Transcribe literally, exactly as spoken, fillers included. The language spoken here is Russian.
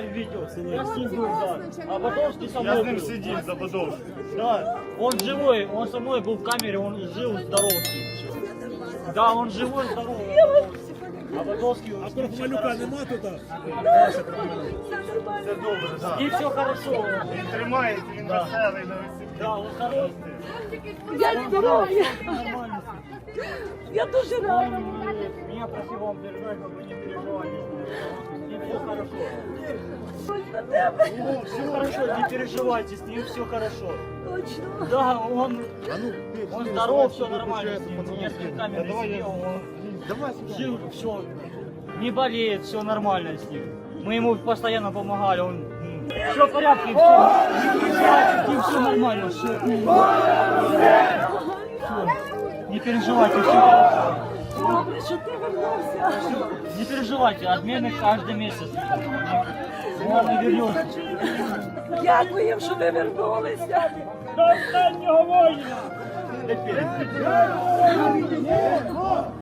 видео. Я с ним был, да. А Бодовский со Я мной с ним был. сидів за Бодовським. Да, он живой, он со мной был в камере, он жил, здоров с ним. Всё. Да, он живой, здоровый. А Бодовский... А Крохмалюка нема тут? Це добре, так. И все хорошо. Він тримається, він Да. веселий на весіллі. Да, он хороший. Я здорова. Нормально. Я дуже рада. Меня просил вам передать, как вы не переживайте. С ним все хорошо. Ну, все хорошо, не переживайте, с ним все хорошо. Точно. Да, он, он здоров, все нормально с ним. Несколько камер сидел, он жил, все, не болеет, все нормально с ним. Мы ему постоянно помогали, он все в порядке, все, все нормально, все. Не переживайте, все хорошо. Добре, що ти вернувся. Не переживайте, отмены каждый месяц. Ладно, вернемся. Дякую, що ви вернулися. До останнього воїна!